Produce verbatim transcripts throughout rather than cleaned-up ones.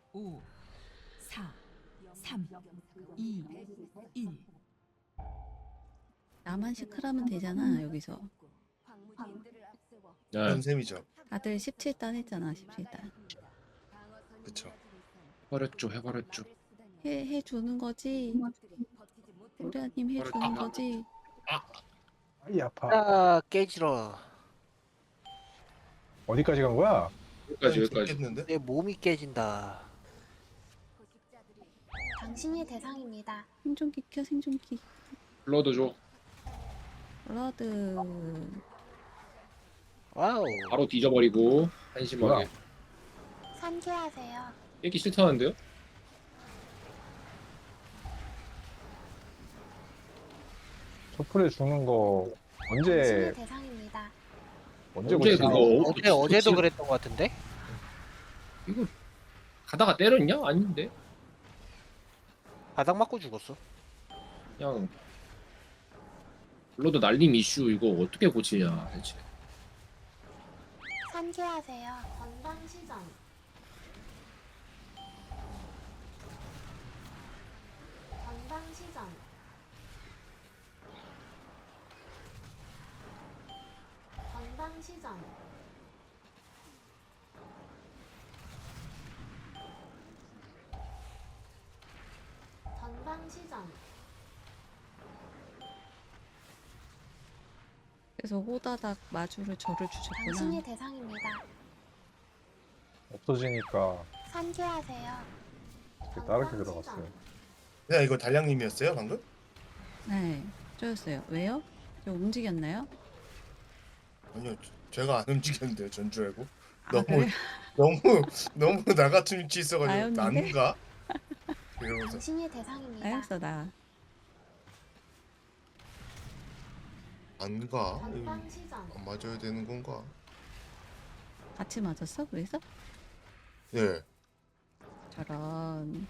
오, 사, 삼, 이, 일. 나만 시크하면 되잖아 여기서. 네. 그런 셈이죠. 다들 십칠 단 했잖아. 십칠 단. 그쵸. 해버렸죠, 해버렸죠. 해, 해주는 거지. 우리아님 해주는 아, 거지. 아이 아파. 아 깨지러. 어디까지 간 거야? 여기까지, 여기까지. 죽겠는데? 내 몸이 깨진다. 당신이 대상입니다. 생존기 켜 생존기. 블러드 줘. 블러드. 와우. 바로 뒤져버리고, 한심하게. 뭐야? 산계하세요. 깨기 싫다는데요? 소풀에 죽는 거 언제 당신이 대상입니다. 언제 언제 고치나? 그거- 어제 어제도 그치? 그랬던 것 같은데? 이거, 가다가 때렸냐? 아닌데? 바닥 맞고 죽었어. 그냥, 블러드 날림 이슈 이거 어떻게 고치냐, 대체. 산계하세요. 건방 시전. 건방 시전. 건방 시전. 건방 시전. 그래서 호다닥 마주를 저를 당신이 주셨구나. 대상입니다. 없어지니까 산계하세요. 이렇게 다르게 들어갔어요. 야 이거 달량님이었어요 방금? 네. 저였어요. 왜요? 저 움직였나요? 아니요 저- 제가 안 움직였는데요 전줄 알고. 아, 너무 그래요? 너무 너무 나 같은 위치 있어가지고 나였는데? 난가? 이러면서 당신이 대상입니다. 나였어 나. 안가? 건방 시전. 안 맞아야 되는 건가? 같이 맞았어? 그래서? 네. 저런.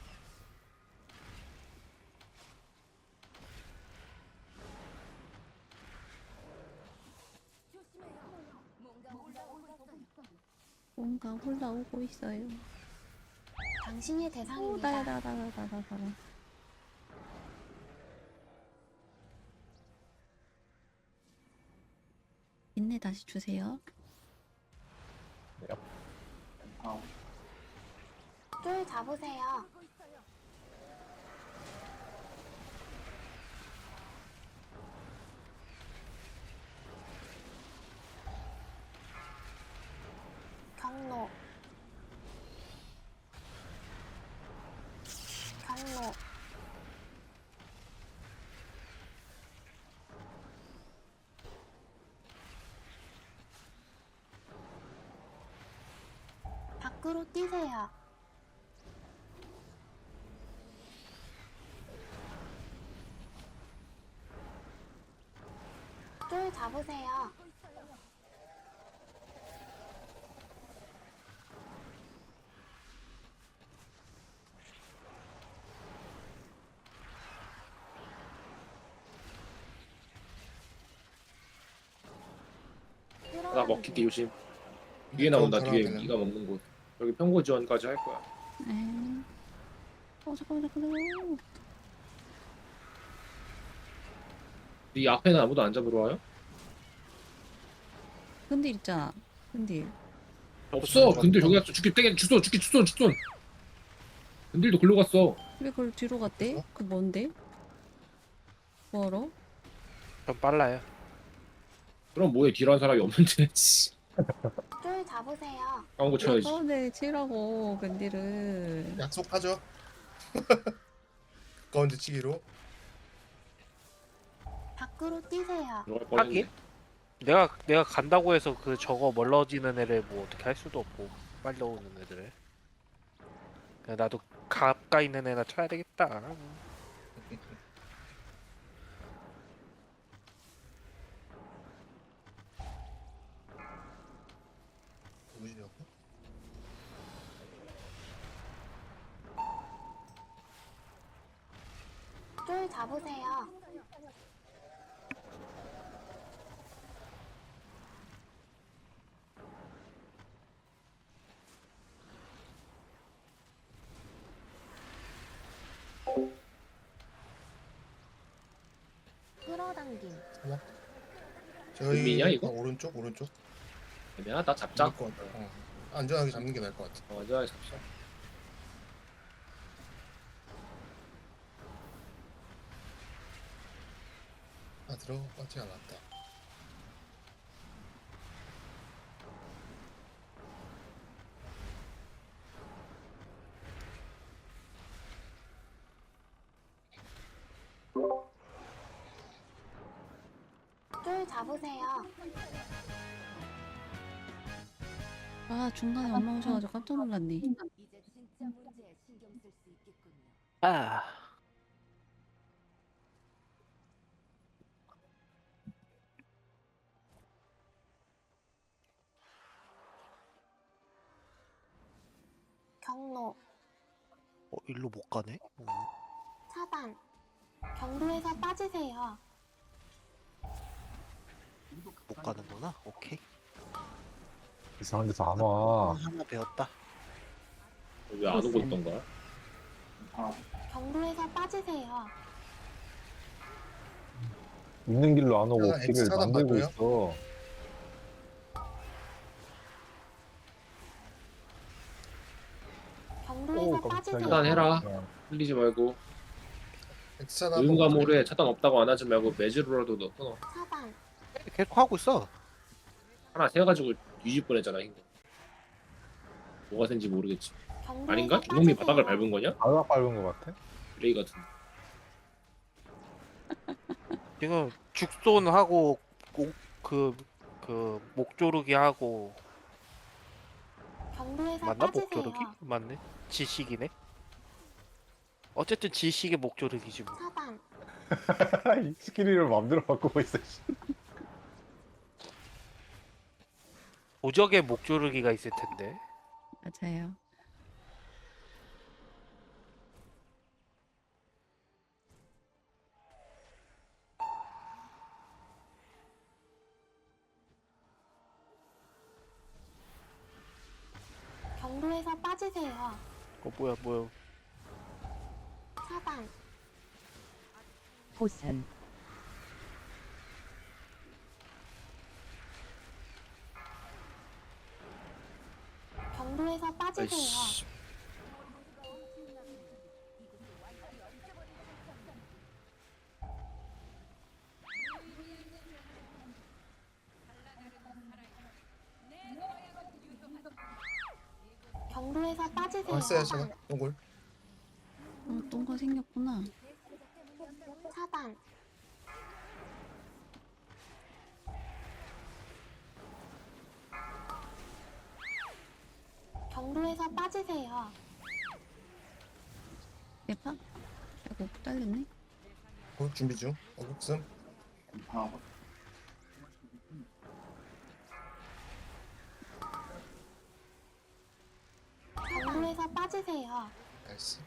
뭔가 올라오고 있어요. 당신이 오, 대상입니다. 나야 나야 나야 나야 나야. 인내 다시 주세요. 쫄 잡으세요. 경로. 경로. 밖으로 뛰세요. 쫄 잡으세요. 나 먹히기 조심. 뒤에 나온다, 뒤에. 사람한테는. 네가 먹는 곳. 여기 평고 지원까지 할 거야. 네. 어 잠깐만 잠깐만. 네 앞에는 아무도 안 잡으러 와요? 근딜 있잖아. 근딜. 없어. 근데 저기 갔어. 죽기 땡 주소, 죽기 주소, 주소. 근딜도 글로 갔어. 왜 그걸 뒤로 갔대? 어? 그 뭔데? 뭐하러? 좀 빨라요. 그럼 뭐해? 뒤로 사람이 없는데. 쫄 잡으세요. 까운 거 쳐야지. 가운데 치라고 근딜을. 약속하죠. 가운데 치기로. 밖으로 뛰세요. 들어갈 뻔했네. 하긴. 내가 내가 간다고 해서 그 저거 멀어지는 애를 뭐 어떻게 할 수도 없고 빨리 오는 애들을. 그냥 나도 가까이 있는 애나 쳐야 되겠다. 누구시냐고? 쫄 잡으세요. 저희 민민이야, 이거? 아, 오른쪽 오른쪽. 애매하다. 잡자. 잡을 것 같아. 어. 안전하게 잡는 게 나을 것 같아. 어, 안전하게 잡자. 아 들어가지 않았다. 쫄 잡으세요. 아 중간에 엄마 오셔가지고 깜짝 놀랐네. 이제 진짜 문제에 신경 쓸 수 있겠군요. 아. 경로 어, 일로 못 가네. 어. 차단. 경로에서 빠지세요. 못 가는구나. 오케이. 이상한 데서 안 와. 하나 배웠다. 왜 안 오고 있던 거야? 경로에서 빠지세요. 있는 길로 안 오고 아, 길을 X 차단 만들고 맞고요? 있어. 경로에서 오, 빠지세요. 깜짝이야. 차단해라. 네. 흘리지 말고. 엑스차단 의무감오래 차단 없다고 안 하지 말고 매주로라도 넣어 끊어. 차단. 계속 하고 있어. 하나 세가지고 뒤집 뻔했잖아 힘들. 뭐가 된지 모르겠지. 경로에서 아닌가? 주놈이 빠지세요. 바닥을 밟은 거냐? 바닥 밟은 것 같아. 플레이 같은. 지금 죽손 하고 그그 그 목조르기 하고 경로에서 맞나 빠지세요. 목조르기? 맞네. 지식이네. 어쨌든 지식의 목조르기지 뭐. 차단. 이 스킬을 마음대로 바꾸고 있어. 씨. 도적의 목조르기가 있을 텐데. 맞아요. 경로에서 빠지세요. 어 뭐야 뭐야. 차단. 보선 경로에서 빠지세요. 아이씨. 경로에서 빠지세요. 왔어요 제가 동굴. 어, 똥거 생겼구나. 차단. 경로에서 빠지세요. 대파? 아이고 딸렸네. 어, 준비 중. 어국슴. 경로에서 빠지세요. 나이스.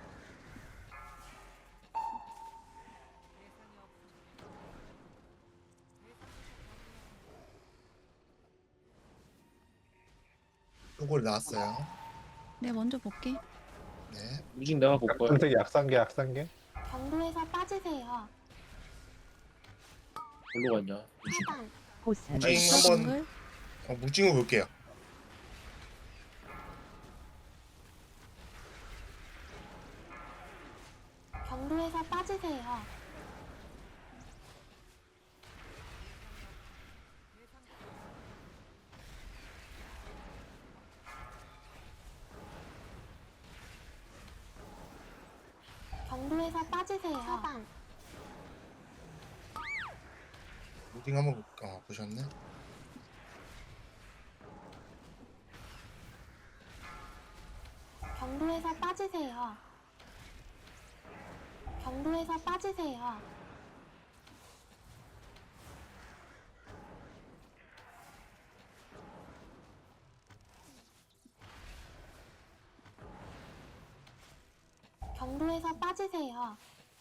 동굴 나왔어요. 내가 먼저 볼게. 네. 무직 내가 볼 거야. 선택이 약상계 약상계. 경로에서 빠지세요. 뭘로 갔냐? 무직. 차단. 보선 무징 있어, 한번 동글? 어, 무징을 볼게요. 경로에서 빠지세요. 경로에서 빠지세요. 차단. 무징 한번 볼- 어, 보셨네. 경로에서 빠지세요. 경로에서 빠지세요. 경로에서 빠지세요.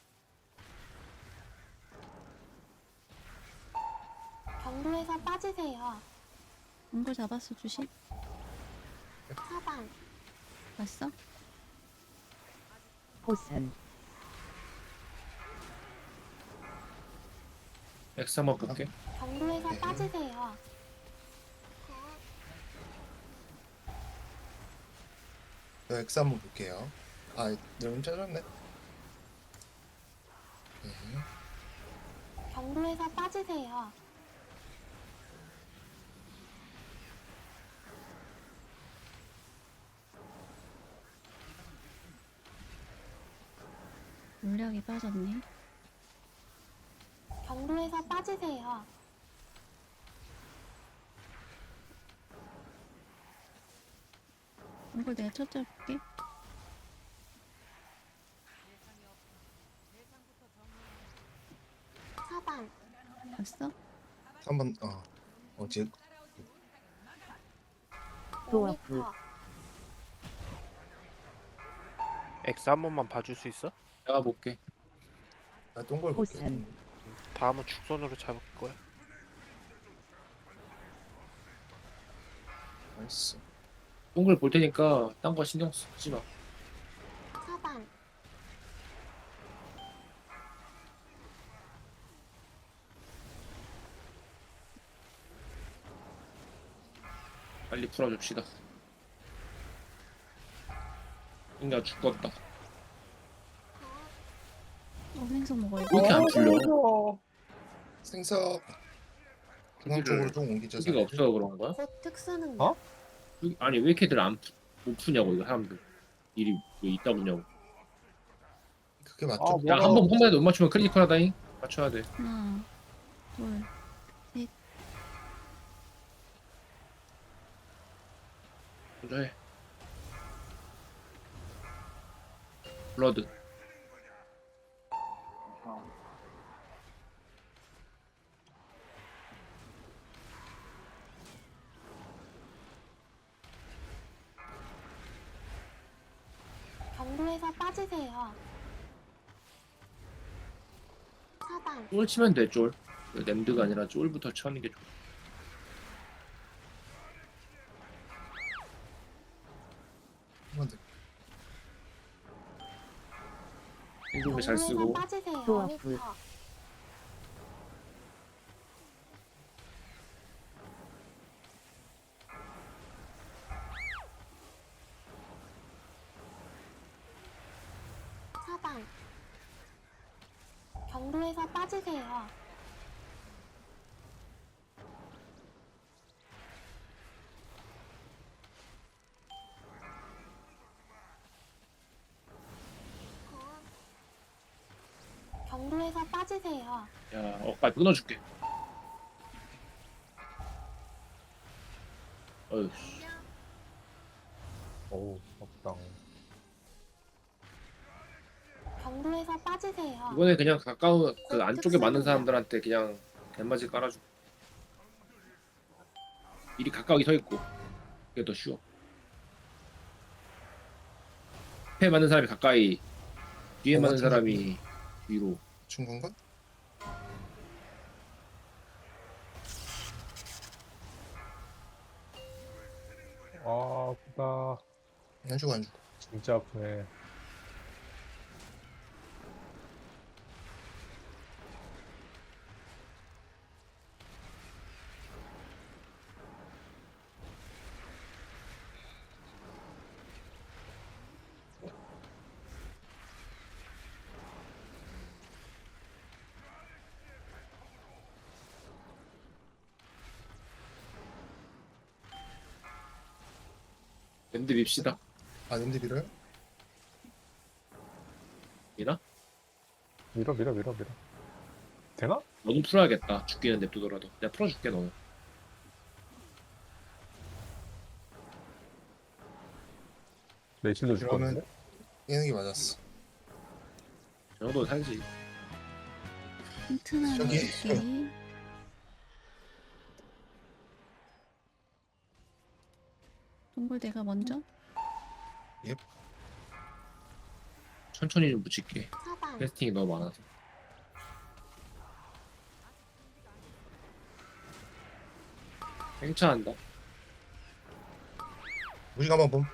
경로에서 빠지세요. 동글 잡았어 주시. 차단. 봤어? 보선 X 한번 볼게. 경로에서 네. 빠지세요. 저 X 한번 볼게요. 아, 너무 짜졌네. 네. 경로에서 빠지세요. 물약이 빠졌네. 경로에서 빠지세요. 이걸 내가 첫째 볼게. 차단. 봤어? 한번 어. 어제 오 미터. X 한 번만 봐줄 수 있어? 내가 볼게. 나 동굴 볼게. 다음은 축선으로 잡을 거야. 나이스. 동글 볼 테니까 딴 거 신경 쓰지 마. 차단. 빨리 풀어줍시다. 인가 죽었다. 어, 생선 먹어야 돼. 왜 이렇게 안 풀려? 생석. 중앙 쪽으로 좀 옮기자. 여기가 없어서 그런 거야? 곧 특수 능력. 어? 여기- 아니 왜 이렇게들 안 푸, 못 푸냐고 이거 사람들. 일이 왜 있다 보냐고. 그게 맞죠? 아, 야 뭐야. 한 번 한 번에 못 맞추면 크리티컬하다잉. 맞춰야 돼. 하나, 둘, 먼저 해. 블러드. 경로에서 빠지세요. 차단. 쫄 치면 돼 쫄. 램드가 아니라 쫄부터 쳐는 게 좋아. 한번 더. 행동을 잘 경로에서 쓰고. 빠지세요. 좋아, 미터. 불. 차단. 경로에서 빠지세요. 경로에서 빠지세요. 야, 어, 빨리 끊어줄게. 어휴, 씨. 어우, 없당. 경로에서 빠지세요. 이번에 그냥 가까운 그 안쪽에 맞는 사람들한테 그냥 갯맞이 깔아줘. 미리 가까이 서 있고 그게 더 쉬워. 앞에 맞는 사람이 가까이, 뒤에 어, 맞는 맞아. 사람이 위로. 준 건가? 아, 아프다. 안 주고 안 주고. 진짜 아프네. 랜드 밉시다. 아, 냄새 밀어요? 미나? 밀어, 밀어, 밀어, 밀어. 되나? 너도 풀어야겠다. 죽기는 냅두더라도. 내가 풀어줄게 너는. 레이실도 그러면- 죽었는데? 깨는 게 맞았어. 저 정도는 살지. 튼튼한 저기. 것이 동굴대가 먼저? 천천히 좀 붙일게. 차단. 캐스팅이 너무 많아서. 행차한다. 무식 한번 봄.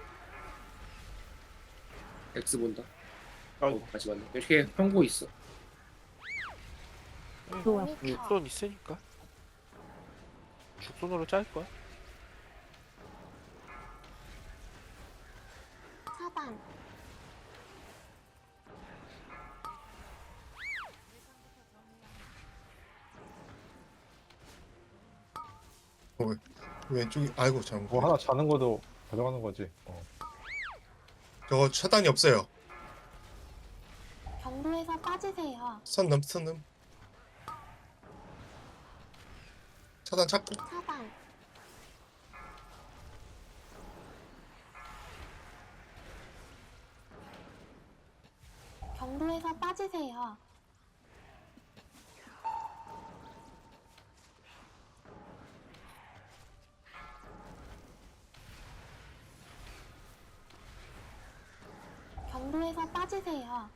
X 본다. 어, 같이 봤네. 이렇게 평고 있어. 오 미터. 죽손 있으니까 죽손으로 짤 거야. 차단. 왼쪽이 아이고 잘못. 뭐 하나 자는 것도 가져가는 거지. 어. 저거 차단이 없어요. 경로에서 빠지세요. 선 넘, 선 넘. 차단 찾고. 차단. 경로에서 빠지세요. 경로에서 빠지세요.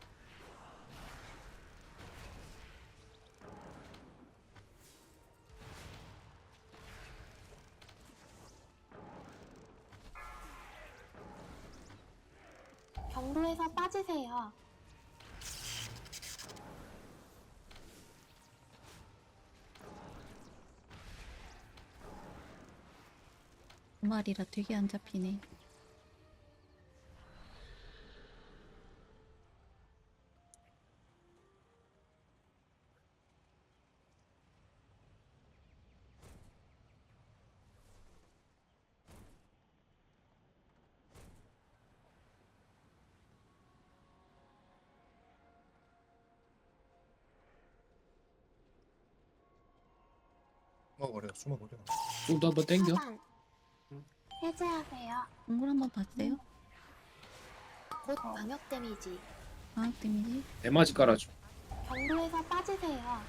경로에서 빠지세요. 두 마리라 되게 안 잡히네. 숨어버려, 숨어버려. 또 한번 땡겨. 차단. 해제하세요. 동굴 한번 봤어요? 곧 광역 데미지. 방학 데미지? 대마지 깔아줘. 경로에서 빠지세요.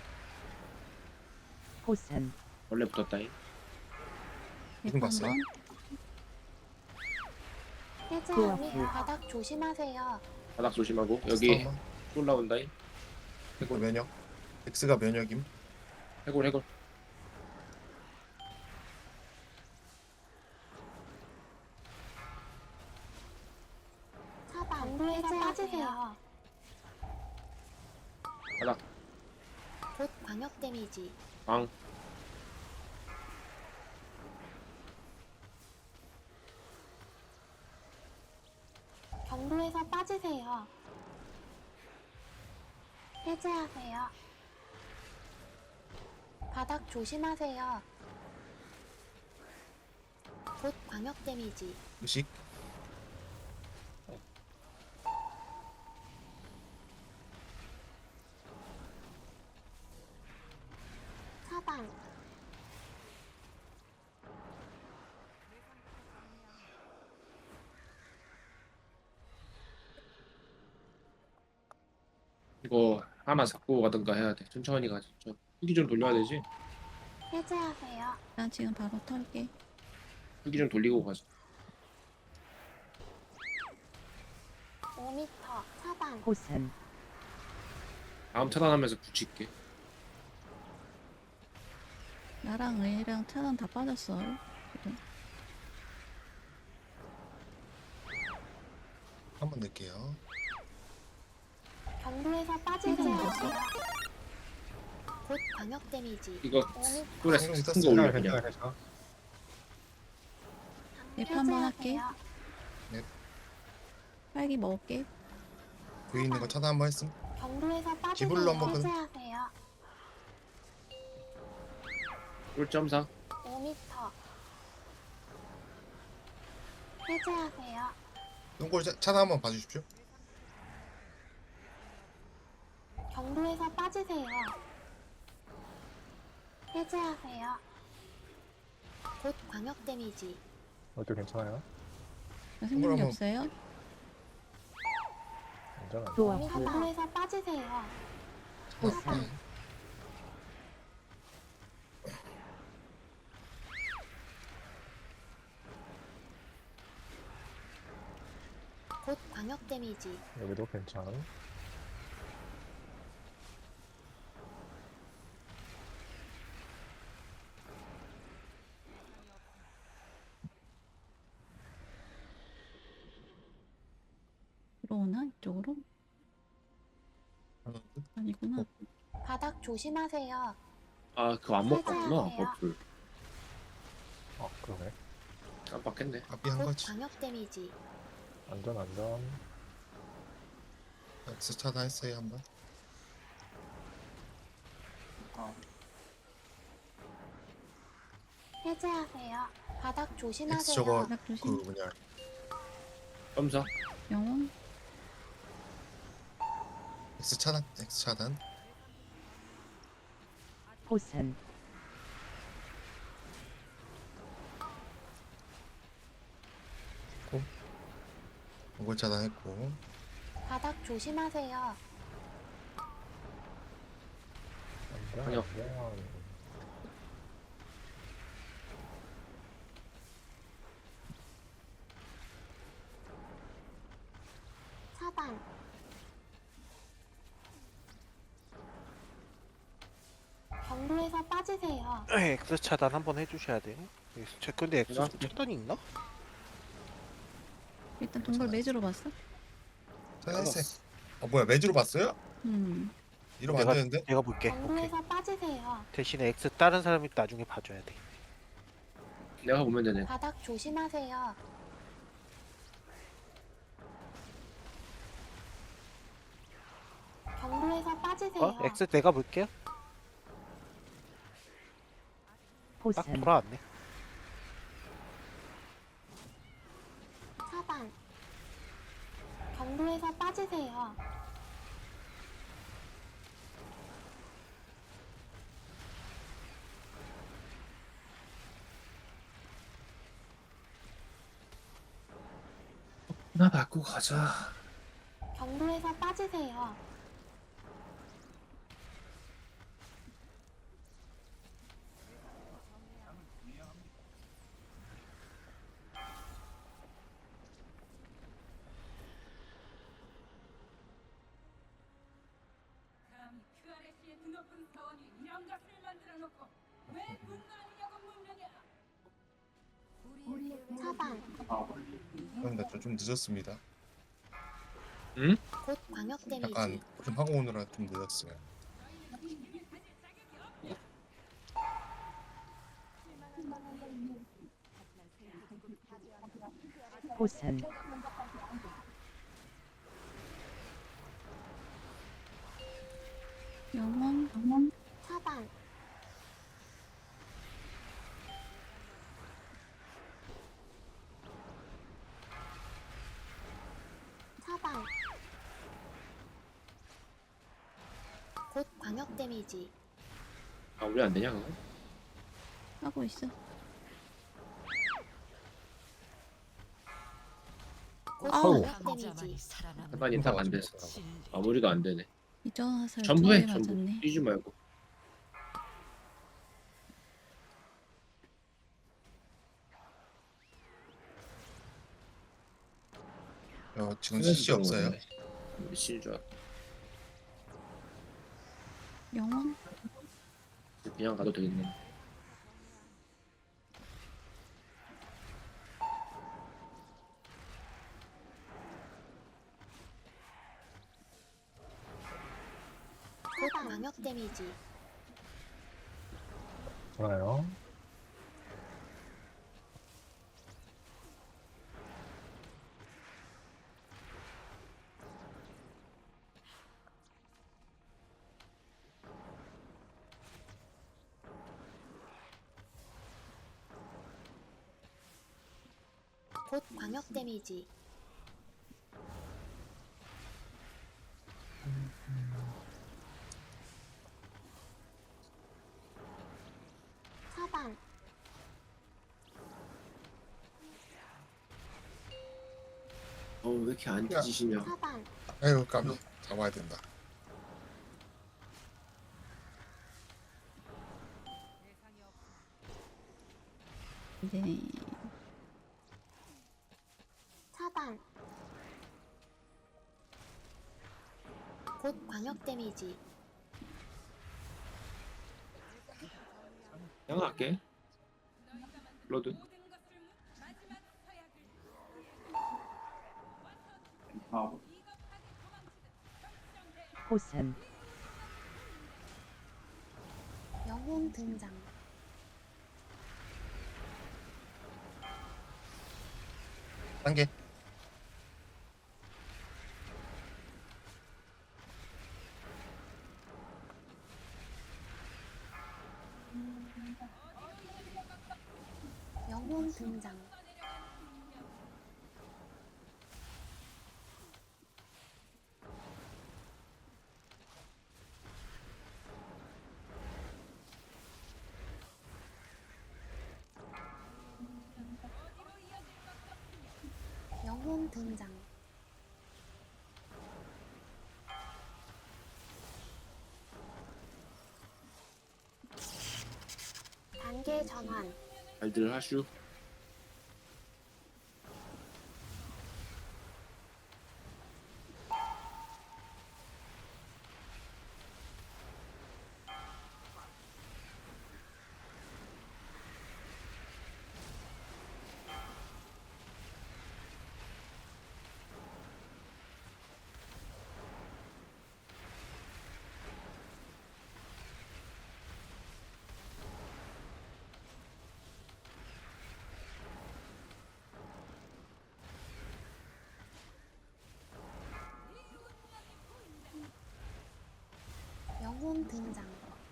원래 붙었다잉. 무슨 백 봤어요? 번. 해제하세요. 바닥 조심하세요. 바닥 조심하고 여기 스타만. 올라온다잉. 해골 면역. X가 면역임. 해골 해골. 차단. 경로에서 빠지세요. 바닥 곧 광역 데미지. 방. 경로에서 빠지세요. 해제하세요. 바닥 조심하세요. 곧 광역 데미지. 의식. 차단. 이거 하나 잡고 가든가 해야 돼. 천천히 가자. 저 후기 좀 돌려야 되지. 해제하세요. 난 지금 바로 털게. 후기 좀 돌리고 가자. 오 미터. 차단. 다음 차단하면서 붙일게. 나랑 의랑 차단 다 빠졌어. 그래. 한 번 넣을게요. 경로에서 빠지세요. 곧 광역 데미지. 이거 오 미터. 꿀에 신경 큰거 썼어요. 올려 괜찮아, 그냥. 괜찮아. 랩 한번 할게. 해제하세요. 딸기 먹을게. 위에 있는 거 차단 한번 했음. 경로에서 빠지세요. 기불로 한번 그- 해제하세요. 꿀점사. 오 미터. 해제하세요. 똥골 차- 차단 한번 봐주십시오. 경로에서 빠지세요. 해제하세요. 곧 광역 데미지. 어때 괜찮아요? 나 생명이 한번- 없어요? 괜찮아. 경로에서 빠지세요. 차단. 곧 광역 데미지. 여기도 괜찮아. 들어오나? 이쪽으로? 아니구나. 바닥 조심하세요. 아 그거 안 먹었구나 해제하세요. 버플. 아 그러네. 깜빡했네. 앞이 한 곧 거지. 광역 데미지. 안전 안전. X 차단했어요 한번. 해제하세요. 바닥 X 조심하세요. 저거 바닥 그 조심. 뭐냐 점사. 영혼. X 차단 X 차단. 보선 이걸 차단했고. 바닥 조심하세요. 안전 아니요. 안전. 차단. 경로에서 빠지세요. X 차단 한번 해주셔야 돼요. 제 근데 X 내가? 차단이 있나? 일단 동굴 매주로 봤어? 차단했어요. 아 뭐야 매주로 봤어요? 음. 이러면 안 내가 되는데? 내가 볼게. 오케이. 경로에서 빠지세요. 대신에 X 다른 사람이 나중에 봐줘야 돼. 내가 보면 되네. 바닥 조심하세요. 경로에서 빠지세요. 어? X 내가 볼게요. 딱 보선 돌아왔네. 차단. 경로에서 빠지세요. 나 바꾸고 가자. 경로에서 빠지세요. 감히 큐알에스의 드높은 사원이 이런 것을 만들어 놓고 왜 분노하느냐고 묻느냐. 차단. 그런데 좀 늦었습니다. 곧 광역 데미지. 약간 좀 하고 오느라 좀 늦었어요. 보선 영혼. 영혼. 차단. 차단. 곧 광역 데미지. 아 우리 안 되냐 그거? 하고 있어. 곧 아우. 광역 데미지. 해반이 딱 안 됐어. 마무리가 안 되네. 이전 화살 전부 해 두개 전부. 맞았네. 뛰지 말고. 어, 지금 씨씨 없어요. 씨인 줄 알았어. 영혼. 그냥 가도 되겠네. 곧 광역 데미지. 좋아요. 곧 광역 데미지. 차단. 어왜 이렇게 안 뒤지시냐? 차단. 아유 깜 잡아야 된다. 이제 차단. 곧 광역 데미지. 그냥 할게. 로드. 보선 영혼 등장. 단계. 영혼 등장. 영혼 등장. 단계 전환. 잘들 하슈. 영혼 등장.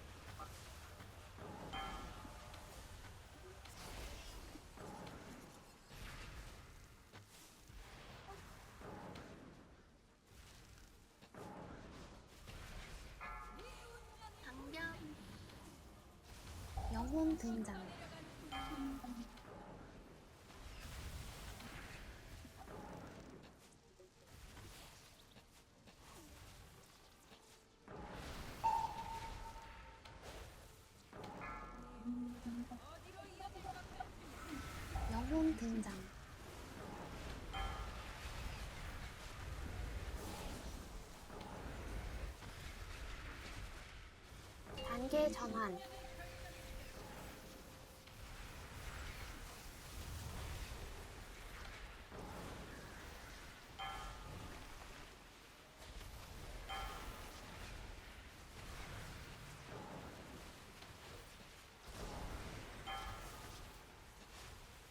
장벽. 영혼 등장. 영혼 등장. 단계 전환.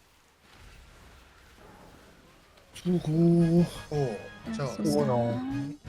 수고. 오. 자. 수고하셨습니다.